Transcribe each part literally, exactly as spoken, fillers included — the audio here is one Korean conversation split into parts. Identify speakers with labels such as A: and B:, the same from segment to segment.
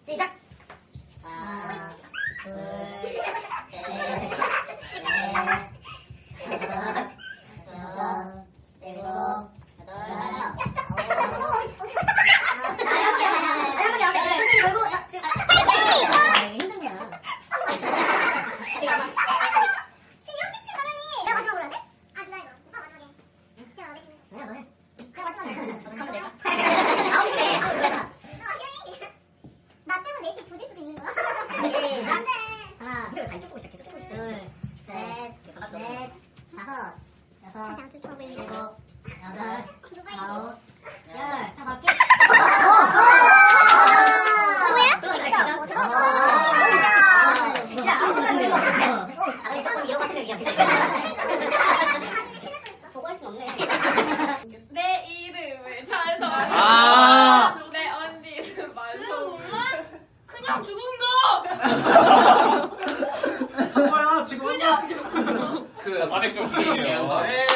A: 시작. 하나, 둘, 셋, 넷, 다섯, 여섯, 일곱, 여덟, 아홉.
B: 내 이름을 잘 써.
C: 아.
B: 내 언니는 말로. 그냥 죽은 거.
C: 뭐야 지금 그냥
D: 그 사백 점 중이에요.
C: 네.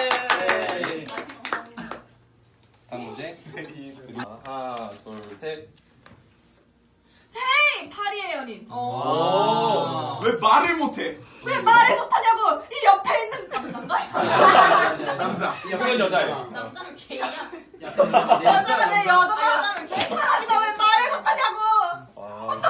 D: 다음 문제. 하나, 둘, 셋.
E: 헤이! 파리의 연인.
C: 오. 왜 말을 못해?
E: 왜 말을 못하냐고! 이 옆에 있는 남자인가?
C: 남자.
D: 이건 여자예요.
B: 남자는 개야.
E: 여자가 내
B: 아,
E: 여자가
B: 여자는 개.
E: 사람이다 왜 말을 못하냐고!
D: 와.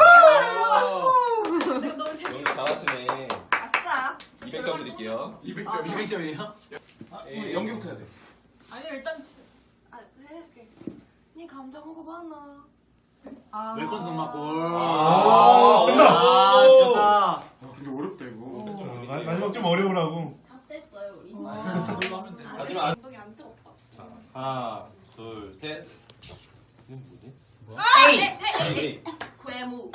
E: 내가 너무 재밌
D: 연기 잘하시네.
E: 아싸.
D: 이백 점 드릴게요.
C: 이백 점. 이백 점이에요?
D: 예.
C: 연기부터 해야 돼.
B: 아니 일단 아 해줄게. 니 감자 먹어봐나.
E: 아.
C: 웰컴 엄마 골.
D: 아,
C: 정답. 아,
D: 오.
C: 정답. 아, 근데 어렵다 이거.
D: 좀
F: 마- 마지막 좀 어려우라고.
B: 다 뗐어요 우리.
C: 아, 이걸로 하면 돼.
D: 하지만 안-
B: 엉덩이 안 뜨겁다.
D: 하나, 둘, 셋. 이건 뭐지?
E: 에이!
D: 에이.
B: 괴무.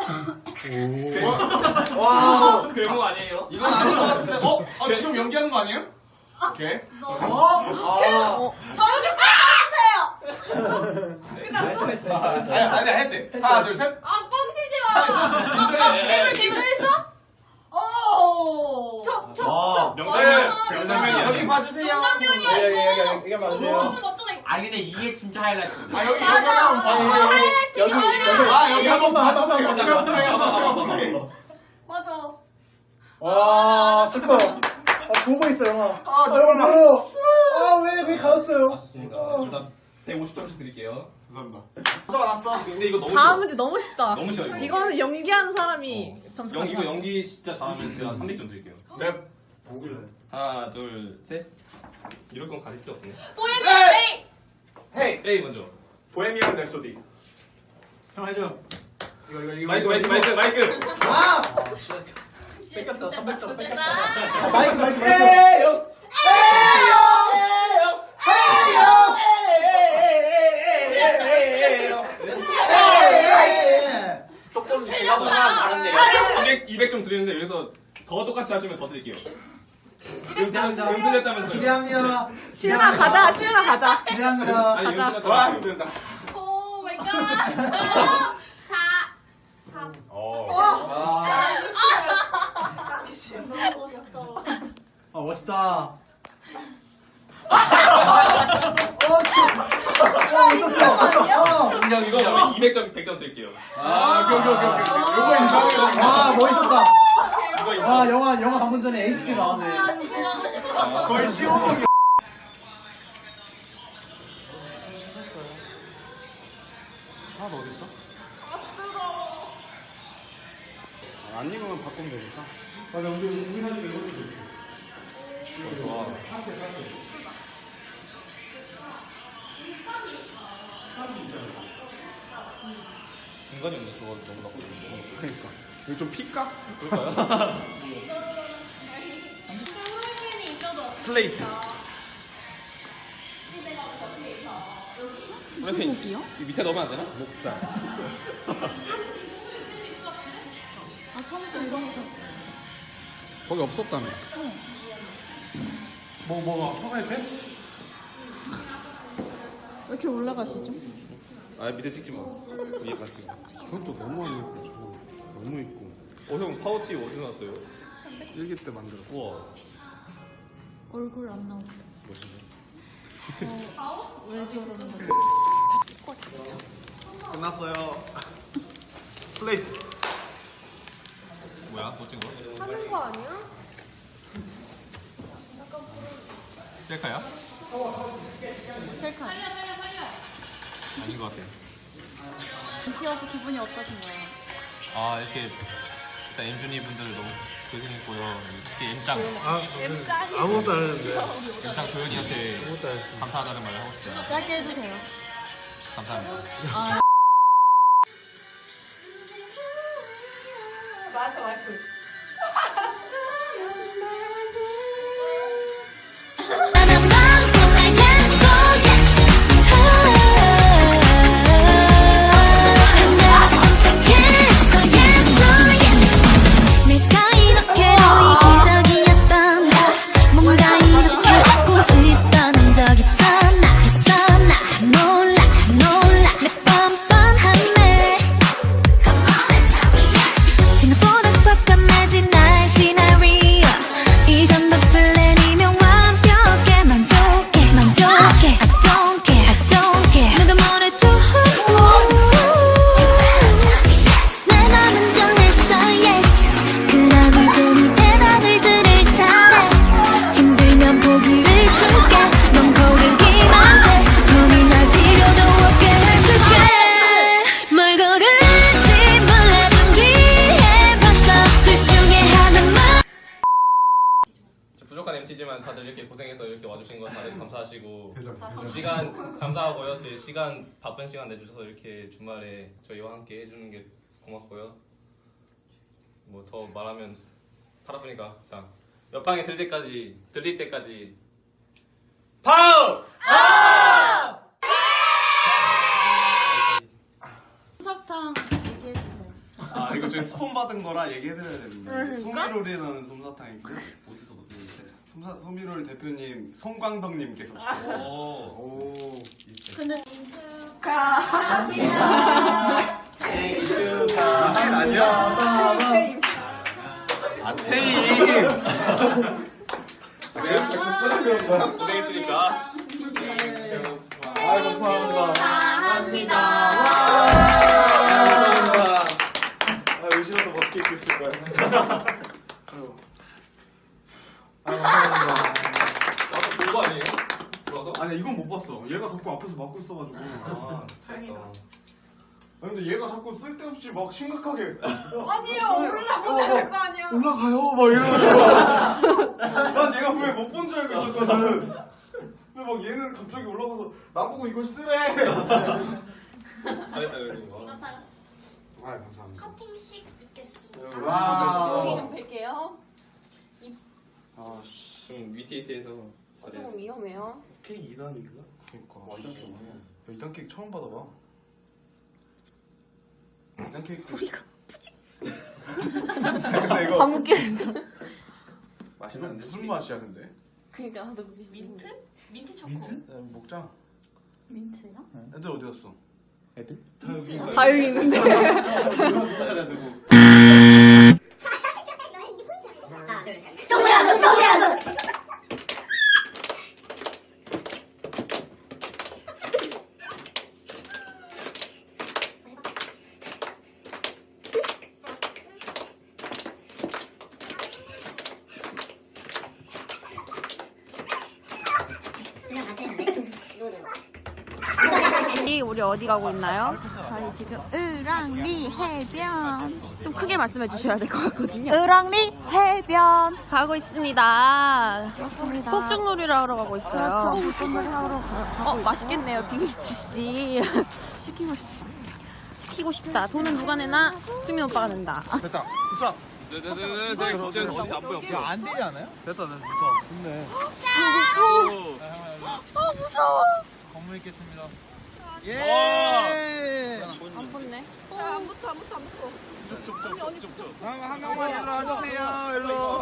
C: 와.
D: 괴물 아니에요?
C: 이건 아닌 것 같은데. 어? 어 지금 연기하는 거 아니에요? 오케이.
E: 너.
C: 어? 아.
E: 저를 좀
C: 끝났어. 아니 아니 했대. 하나 둘 셋.
B: 아 뻥치지 마.
D: 인정해.
E: 기분했어? 오. 저, 저,
D: 와,
E: 저.
D: 명장면.
C: 여기
D: 명장면이야.
C: 봐주세요.
B: 정답면이야
C: 네,
B: 이거.
C: 이게
B: 너무 멋져다 이거.
G: 아니 근데 이게 진짜 하이라이트.
C: 아 여기 여기
E: 맞아.
C: 한번 봐주세요.
E: 여기, 여기.
C: 아 여기 한번 봐주세요. 여기 한번 봐주세요.
E: 맞아.
H: 와 슬퍼. 아 보고 있어 영화.
C: 아
H: 아
C: 너무
H: 여러분 아왜왜 가졌어요?
D: 맞습니다. 일단 백오십 점씩 드릴게요.
C: 감사합니다. 또 알았어.
D: 근데 이거 너무
I: 다음
D: 쉬워.
I: 문제 너무 쉽다.
D: 너무 쉬워 이거.
I: 이거는 연기하는 사람이 점수
D: 연기 이거
I: 가져가.
D: 연기 진짜 잘하면 제가 삼백 점 드릴게요.
C: 네. 보길래.
D: 하나, 둘, 셋. 이럴 건 가릴 필요 없네.
B: 보헤미안 레이.
C: 헤이.
D: A 먼저.
C: 보헤미안 랩소디. 형 해줘. 이거 이거 이거.
D: 마이크, 마이크, 마이크, 마이크.
C: 아.
B: 뺏겼다. 삼백 점 뺏겼다.
H: 아, 마이크 마이크 마이크.
C: 헤이요. 헤이요. 헤이요. 헤이요.
D: 조금 제가 보다 다른데요. 이백, 이백 점 드리는데 여기서 더 똑같이 하시면 더 드릴게요.
H: 기대합니다.
D: 연습했다면서요.
H: 기대합니다.
I: 시은아 가자. 시은아 가자.
H: 기대합니다.
D: 아니,
I: 가자.
C: 와
D: 연습했다면서요.
C: 힘들다.
B: 오 마이 갓. 사.
D: 어.
C: 아.
B: 너무 멋있다.
H: 아 멋있다.
D: 인정 이거 그러면 이백 점, 백 점 드릴게요.
C: 아 오케이 오케이 오케이 오케이. 요거 인정해요.
H: 아 멋있었다.
D: 이거 인정.
H: 아 영화 영화 방금 전에 에이치 나왔네.
B: 아 집에 가고 싶어.
C: 거의 시오목이. 하나도 어디 있어? 안 익으면 바꾸면 되니까.
H: 맞아 우리 우리 사진 이거
D: 좋아. 중간이 없네. 저거 너무 나쁘네.
C: 그러니까. 이거 좀 필까?
D: 그럴까요?
B: 팬이 있어도.
C: 슬레이트.
D: 프랭팬 이 밑에 넣으면 안 되나? 목살.
I: 아 처음부터 이런 거 샀어.
C: 거기 없었다며. 뭐 뭐가 화가의 펜?
I: 왜 이렇게 올라가시죠?
D: 아 밑에 찍지 마. 위에 같이 찍어.
C: 그건 또 너무 안 입고 저거 너무 입고.
D: 어 형 파우치 어디서 났어요?
C: 일기 때 만들었어.
D: 우와.
I: 얼굴 안 나오고.
D: 멋있네.
I: 왜 저러는 거지?
C: 끝났어요. 플레이트.
D: 뭐야? 또 찍은 거?
B: 하는 거 아니야?
D: 셀카야?
I: 셀카.
D: 아닌 것 같아.
I: 인기여서 기분이 어떠신가요?
D: 아 이렇게 일단 엠준이 분들 너무 고생했고요. 특히 엠짱
F: 아, 아무것도 안 했는데.
D: 엠짱 도현이한테 감사하다는 말을 하고 싶어요.
I: 짧게 해주세요.
D: 감사합니다.
E: 맞아 맞아.
D: 부족한 엠티지만 다들 이렇게 고생해서 이렇게 와주신 거 다들 감사하시고 시간 감사하고요. 제 시간 바쁜 시간 내주셔서 이렇게 주말에 저희와 함께 해주는 게 고맙고요. 뭐 더 말하면 팔 아프니까 자 옆방에 들릴 때까지 들릴 때까지 파우!
I: 솜사탕 얘기해주세요.
C: 아 이거 저희 스폰 받은 거라 얘기해드려야 되는데 소미롤이라는 솜사탕이 있고 어디서 받았는데 솜사 소미롤 대표님 송광덕님께서 주셨어요. 오.
I: 근데
C: 생일 축하. 아니야? 아 테임.
D: 고생했으니까 고생했으니까
C: 아 감사합니다.
A: 감사합니다.
C: 감사합니다. 아 열심히 멋있게 입고 있을 거야. 아유. 아 감사합니다.
D: 나도 본 거 아니에요? 들어와서?
C: 아니 이건 못 봤어. 얘가 자꾸 앞에서 막고 있어가지고.
D: 아 다행이다.
C: 아 근데 얘가 자꾸 쓸데없이 막 심각하게
E: 아니요 올라보내야 될 거 아니야.
C: 올라가요 막 이러고. 난 얘가 왜 못 본 줄 알고 있었거든. 근데 막 얘는 갑자기 올라가서 나보고 이걸 쓰래.
D: 잘했다 그래도
A: 이거 다
C: 아 감사합니다.
A: 커팅식 있겠습니다.
C: 와.
B: 여기 좀 뵐게요.
C: 아 씨.
D: 좀 위티에이티에서 잘해.
B: 조금 위험해요.
C: 케이크 이 단인가? 그니까. 와 이 단 케이크. 이 단 케이크 처음 받아봐. 이 단 케이크. 소리가 푸직. 근데 이거
I: 감기를.
C: 이거 무슨 맛이야 근데?
B: 그니까 나도 민트? 민트 초코.
C: 민트? 야, 먹자.
I: 민트요?
C: 애들 어디 갔어?
F: 애들?
C: 다 여기 있는
I: 다 여기 있는데.
C: 누가 잘해야 되고.
A: 하나, 둘, 셋. 동그라 눈, 동그라 눈. 그냥 같이 했는데?
I: 우리 어디 가고 있나요? 저희 지금 을왕리 해변. 좀 크게 말씀해 주셔야 될 것 같거든요. 을왕리 해변 가고 있습니다. 그렇습니다. 폭죽놀이를 하러 가고 있어요. 그렇죠. 폭죽놀이 하러 가고 어, 맛있겠네요. 비비추 씨. 시키고 싶다. 시키고 싶다. 돈은 누가 내나? 수민 오빠가 낸다.
C: 됐다. 붙여.
D: 네네네네. 저기 어디 안 보여.
F: 안 되지 않아요?
C: 됐다 됐다. 붙여. 좋네.
I: 아 무서워.
F: 건물 있겠습니다.
D: 예.
B: 안 붙네.
E: 안 붙어 안 붙어 안 붙어.
C: 한 명만 일로 와주세요. 일로.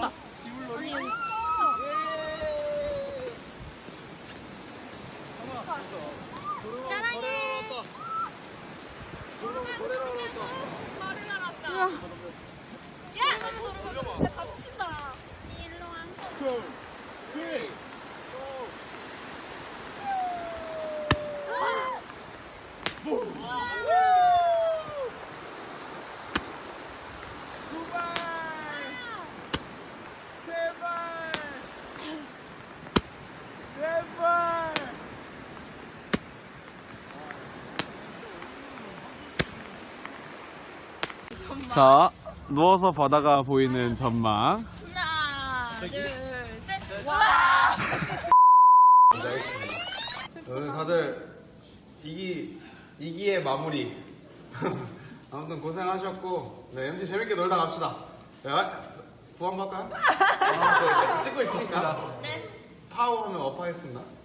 C: 자, 누워서 바다가 보이는 전망.
I: 하나, 둘, 셋. 와!
C: 오늘 다들 이기 이기의 마무리. 아무튼 고생하셨고, 네 엠티 재밌게 놀다 갑시다. 야, 구한 받을까요? 아, 네, 찍고 있으니까.
I: 네.
C: 파워하면 업하겠습니다.